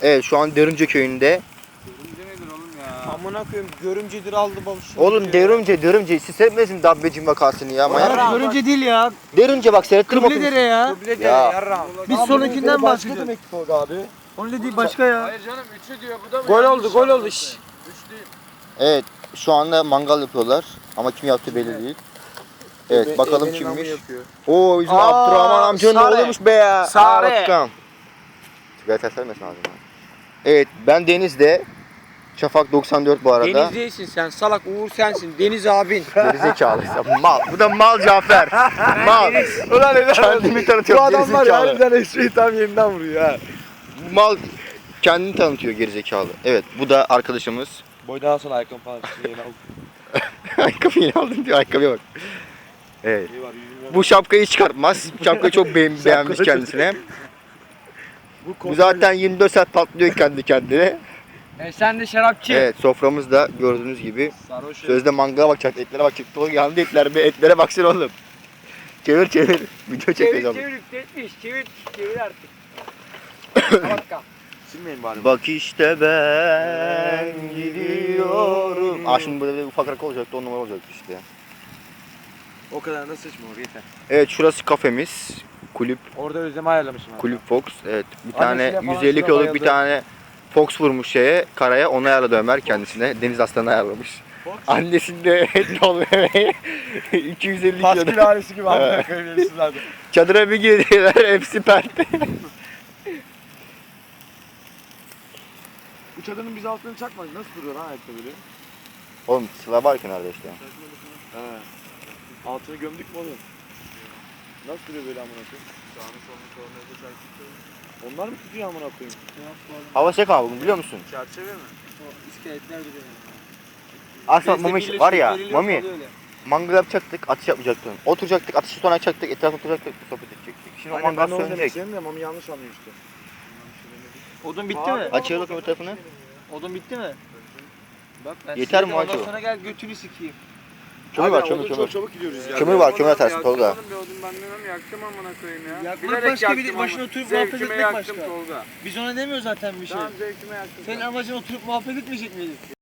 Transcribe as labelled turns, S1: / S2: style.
S1: Evet şu an Derunce köyünde.
S2: Görümce nedir oğlum ya?
S3: Amına koyayım görümcedir aldı balığı.
S1: Oğlum Derunce siz seyretmediniz mi Dabbecim vakasını ya? Manyak.
S3: Ya görümce değil ya.
S1: Derunce bak seyrettirim
S3: Kıbledere ya.
S2: Kıble
S1: Ya.
S2: yarram.
S3: Biz sonrakinden bahsediyoruz.
S4: demek ki Tolga abi?
S3: Onun dediği başka ya.
S2: Hayır canım 3'ü diyor bu da mı?
S3: Gol oldu gol oldu. Şşş.
S2: 3 değil.
S1: Evet şu anda mangal yapıyorlar ama kim yaptı belli değil. Evet bakalım kimmiş. Oo bizim
S3: Aa,
S1: Abdurrahman amcanın
S3: Sare.
S1: oğluymuş be ya.
S3: Sare.
S1: Aa, bakalım. Sigara ters vermesin ağzına. Evet ben Deniz'de. Şafak 94 bu arada.
S3: Deniz değilsin sen salak Uğur sensin Deniz abin.
S1: Gerizekalıysa mal. Bu da mal Cafer. Mal.
S4: Ulan neden?
S1: Kendimi tanıtıyor
S4: Bu adam var ya
S1: gerizekalı.
S4: harbiden espriyi tam yerinden vuruyor ha.
S1: Mal kendini tanıtıyor gerizekalı. Evet bu da arkadaşımız.
S4: Boydan sonra ayakkabı falan yeni aldım.
S1: Ayakkabıyı aldım diyor ayakkabıya bak. Evet.
S4: İyi var, yüzüm
S1: Bu şapkayı çıkartmaz. Bu şapkayı çok beğenmiş kendisine. Bu zaten 24 saat patlıyor kendi kendine.
S3: Sen de şarapçı.
S1: Evet soframızda gördüğünüz gibi.
S4: sarhoş.
S1: Sözde mangala bakacak, etlere bakacak. Doğru yandı etler be, etlere baksana oğlum. Çevir. Video çekeceğim.
S3: Çevir artık. Bakka.
S4: Silmeyin bari.
S1: Bak işte ben gidiyorum. Aa şimdi böyle bir ufak rakı olacaktı, 10 numara olacaktı işte.
S4: O kadar da sıçma yeter.
S1: Evet şurası kafemiz. Kulüp
S4: Orada özlemi ayarlamışım abi.
S1: Kulüp Fox. Evet bir
S4: Annesiyle
S1: tane
S4: falan
S1: 150
S4: şuna
S1: kiloluk bir
S4: bayıldı.
S1: tane Fox vurmuş şeye, karaya, onu ayarladı Ömer kendisine. Deniz aslanı ayarlamış. Annesinde et olmaya 250
S4: Paskül
S1: kilo.
S4: ailesi gibi amına koyayım yemişsinlerdi.
S1: Çadıra bir girdiler, hepsi perte.
S4: Bu çadırın biz altını çakmadık. Nasıl duruyor lan ayakta böyle?
S1: Oğlum sıra var kenarda işte.
S4: He. Altını gömdük mü oğlum? Nasıl duruyor böyle amına koyayım? Onlar mı tutuyor amına koyayım?
S1: Hava sıcak ama bugün biliyor musun?
S4: Çerçeve mi?
S3: İskeletler duruyor.
S1: Aslında Mami var ya, Mami mangal yapacaktık, atış yapmayacaktın. Oturacaktık, atışı sonra açacaktık, etrafına oturacaktık, sohbet edecektik. Şimdi o
S4: Aynen
S1: mangal
S4: ben de onu demek
S1: sönecek.
S4: istedim de Mami yanlış anlıyor işte.
S3: Odun bitti mi?
S1: Açıyoruz öbür tarafını.
S3: Odun bitti mi? Bak ben
S1: Yeter
S3: size
S1: mi
S3: de
S1: acaba?
S3: Ondan sonra gel götünü sikeyim.
S1: Kömür var,
S4: Abi,
S1: kömür,
S4: odun
S1: kömür.
S4: Çok çabuk gidiyoruz ya.
S1: Kömür var, kömür atarsın
S2: Yaktım
S1: Tolga.
S2: oğlum bir odun benden onu yaktım amına koyayım ya.
S3: Yakmak
S2: Bilerek
S3: başka, bir de
S2: yaktım
S3: başına
S2: ama.
S3: oturup muhabbet
S2: Zevkime
S3: etmek
S2: yaktım
S3: başka.
S2: Tolga.
S3: Biz ona demiyoruz zaten bir şey.
S2: Tamam zevkime yaktım.
S3: Senin amacın oturup muhabbet etmeyecek miydin?